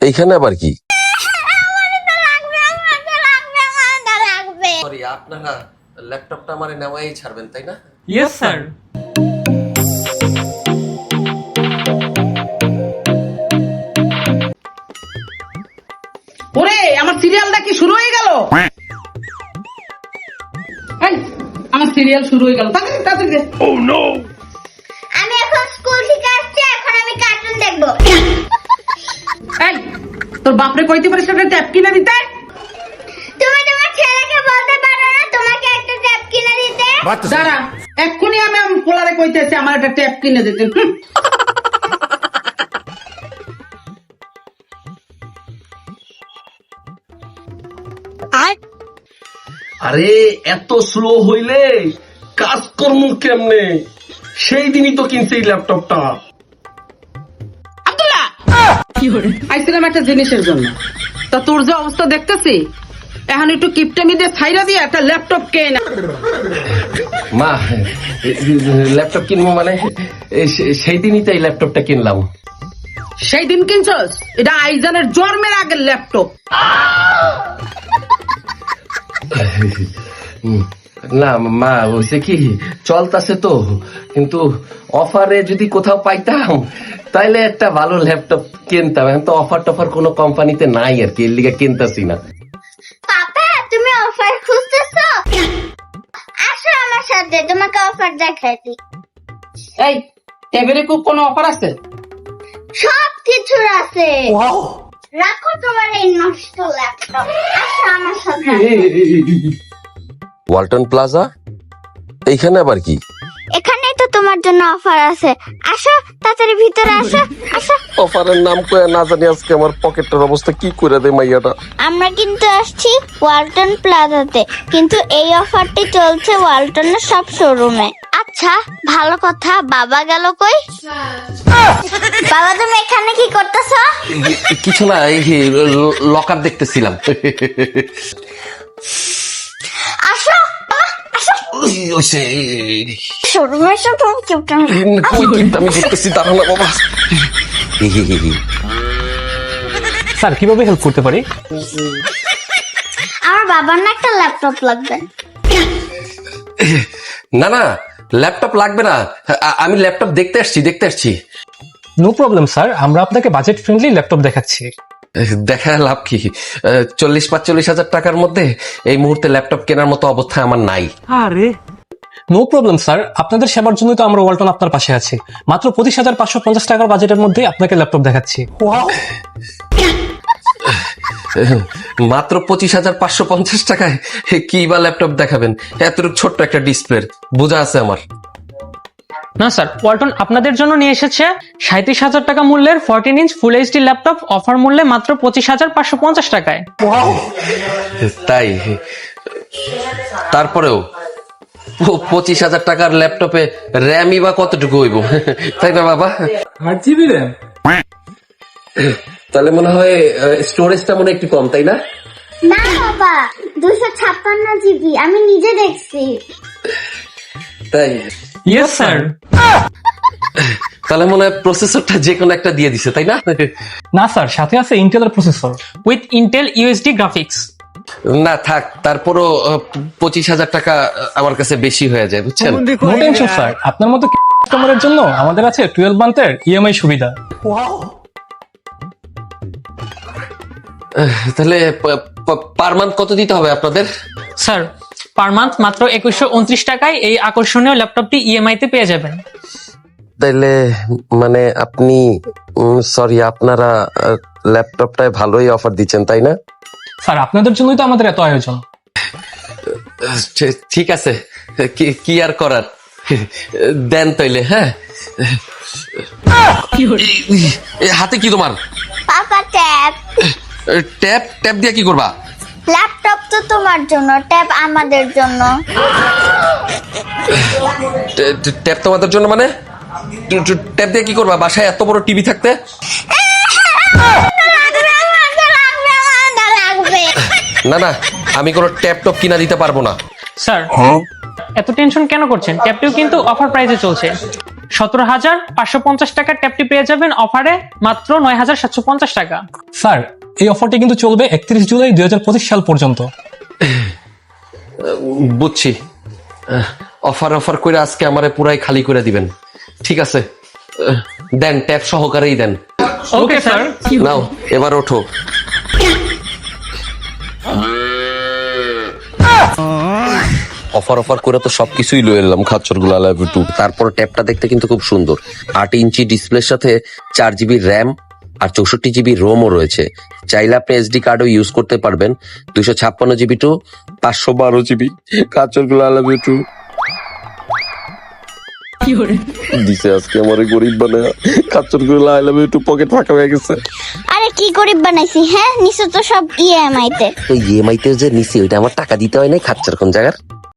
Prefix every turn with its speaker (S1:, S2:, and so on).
S1: এইখানে আবার কি?
S2: সরি, আপনারা ল্যাপটপটা আমারে নেওয়াই ছাড়বেন তাই না?
S3: Yes sir.
S4: ওরে আমার সিরিয়ালটা কি শুরু হয়ে গেল? এই, আমার সিরিয়াল শুরু হয়ে গেল। তাড়াতাড়ি তাড়াতাড়ি দে।
S5: আমি এখন স্কুল থেকে আসছি, এখন আমি কার্টুন দেখবো।
S4: এই, তোর বাপরে কইতে পারিস একটা ট্যাপ কিনে দিতে?
S5: তুমি তোমার ছেলেকে বলতে পারো না তোমাকে একটা ট্যাব কিনে দিতে?
S4: দাঁড়া, এক্ষুনি আমি পোলারে কইতেছি আমার একটা ট্যাপ কিনে দিতে।
S2: আরে এত স্লো হইলে কাজ করমু কেমনে? সেই দিনই তো কিনছি এই ল্যাপটপটা।
S4: আব্দুল্লাহ, আইছিলাম একটা জিনিসের জন্য। তা তোর যে অবস্থা দেখতেছি, এখন একটু কিপটামি দিয়ে ছাইরা দিয়ে একটা ল্যাপটপ কেনা।
S2: মা, ল্যাপটপ কিনবো মানে সেই দিনই তো এই ল্যাপটপটা কিনলাম।
S4: সেই দিন কিনছস? এটা আইজানের জন্মের আগের ল্যাপটপ।
S2: না মা, হয়েছে কি চলতেছে তো, কিন্তু অফারে যদি কোথাও পাইতাম তাইলে একটা ভালো ল্যাপটপ কিনতাম। এখন তো অফার টফার কোনো কোম্পানিতে নাই আর কি, এর লিগে কিনতেছি না।
S5: পাপা, তুমি অফার খুঁজতেছো? আসো আমার সাথে, তোমাকে অফার দেখাই দিই।
S4: এই, টেবিলে খুব কোনো অফার আছে?
S5: সব কিছুর আছে। রাখো তোমার এই নষ্ট ল্যাপটপ, আসো আমার সাথে।
S1: ওয়ালটন প্লাজা, এইখানে আবার কি?
S5: এখানেই তো তোমার জন্য অফার আছে, আসো তাড়াতাড়ি ভিতরে আসো। আসো,
S1: অফারের নাম কয়ে না জানি আজকে আমার পকেটের অবস্থা কি করে দেয় মাইয়াটা।
S5: আমরা কিন্তু আসছি ওয়ালটন প্লাজাতে, কিন্তু এই অফারটি চলছে ওয়ালটনের সব শোরুমে। আচ্ছা, ভালো কথা, বাবা গেল কই? বাবা, তুমি এখানে কি করতেছো?
S2: কিছু না, এই লকার দেখতেছিলাম।
S5: আসো আসো, শোরুমে এসো, তুমি চুপটা।
S2: আমি দেখতেছি, দাঁড়া না বাবা।
S3: স্যার কিভাবে হেল্প করতে পারি?
S5: আমার বাবার না একটা ল্যাপটপ লাগবে।
S2: না না, ল্যাপটপ লাগবে না, আমি ল্যাপটপ দেখতে আসছি।
S3: নো প্রবলেম স্যার, আমরা আপনাকে বাজেট ফ্রেন্ডলি ল্যাপটপ দেখাচ্ছি।
S2: দেখা লাভ কি? 40-45 হাজার টাকার মধ্যে এই মুহূর্তে ল্যাপটপ কেনার মতো অবস্থা আমার নাই।
S3: আরে নো প্রবলেম স্যার, আপনাদের সেবার জন্যই তো আমরা ওয়ালটন আপনার পাশে আছি। মাত্র 25,550 টাকার বাজেটের মধ্যে আপনাকে ল্যাপটপ দেখাচ্ছি।
S2: মাত্র 25,550 টাকায় কি বা ল্যাপটপ দেখাবেন? এতটুকু ছোট্ট একটা ডিসপ্লে বোঝা আছে আমার।
S6: না স্যার, ওয়ালটন আপনাদের জন্য নিয়ে এসেছে 37,000 টাকা মূল্যের 14 inch full HD laptop, offer মূল্যে মাত্র 25,550 টাকায়।
S2: তাই? তারপরেও 25,000 টাকার ল্যাপটপে র্যামই বা কতটুকু হইব, তাই না বাবা?
S3: 8 জিবি র্যাম।
S2: তাহলে মনে হয় স্টোরেজটা মনে হয় একটু কম, তাই না?
S5: না বাবা, 256 জিবি, আমি নিজে দেখছি।
S2: তাই?
S6: Yes sir.
S2: তাহলে মনে হয় প্রসেসরটা যে কোনো একটা দিয়ে দিছে, তাই না?
S3: না স্যার, সাথে আছে ইন্টেলের processor.
S6: With Intel UHD graphics.
S2: না থাক, তারপরও 25,000 টাকা আমার কাছে বেশি হয়ে যায়, বুঝছেন?
S3: নো টেনশন স্যার, আপনার মতো কাস্টমারের জন্য আমাদের আছে 12 মান্থের ইএমআই সুবিধা।
S2: তাহলে পার মান্থ কত দিতে হবে আপনাদের?
S6: স্যার, পার মান্থ মাত্র 2129 টাকায় এই আকর্ষণীয় ল্যাপটপটি ইএমআই তে পেয়ে যাবেন।
S2: তাইলে মানে আপনি সরি, আপনারা ল্যাপটপটায় ভালোই অফার দিচ্ছেন, তাই না?
S3: স্যার আপনাদের জন্যই তো আমাদের এত আয়োজন।
S2: ঠিক আছে, কি আর করার, দেন তাইলে। হ্যাঁ, হাতে কি তোমার?
S5: পাপা, ট্যাব।
S2: ট্যাপ দিয়ে কি করবা?
S5: ল্যাপটপ তো তোমার জন্য, ট্যাব আমাদের জন্য।
S2: ট্যাপ তোমাদের জন্য মানে? ট্যাপ দিয়ে কি করবা? বাসায় এত বড় টিভি থাকতে? না না, আমি কোনো ট্যাপ টপ কিনা দিতে পারবো না।
S6: স্যার, এত টেনশন কেন করছেন? ট্যাবটিও কিন্তু অফার প্রাইসে চলছে। 17,550 টাকার ট্যাপটি পেয়ে যাবেন অফারে মাত্র 9,750 টাকা।
S3: স্যার এই অফারটি কিন্তু চলবে 31 জুলাই 2025 সাল পর্যন্ত।
S2: বুঝছি। অফার করে আজকে আমারে পুরাই খালি করে দিবেন। ঠিক আছে, দেন ট্যাপ সহকারেই দেন।
S6: Okay sir.
S2: নাও এবার ওঠো। অফার করে তো সবকিছুই লয়ে এলাম, খাচ্চর গুলো টু। তারপর ট্যাবটা দেখতে কিন্তু খুব সুন্দর। 8 ইঞ্চি ডিসপ্লের সাথে 4 জিবি র্যাম আর 64 জিবি রোমও রয়েছে। চাইলে আপনি এসডি কার্ডও ইউজ করতে পারবেন। 256 জিবি টু 512 জিবি। খাচ্চর গুলো টু দিছে আজকে আমার গরিব বানায়। খাচ্চর গুলো টু পকেট ফাঁকা হয়ে গেছে।
S5: আরে কি গরিব বানাইছি, হ্যাঁ নিশ্চয় তো সব ইএমআই তে।
S2: তো ইএমআই তে যে নিছি ওইটা আমার টাকা দিতে হয় নাই। খাচ্চর কোন জায়গার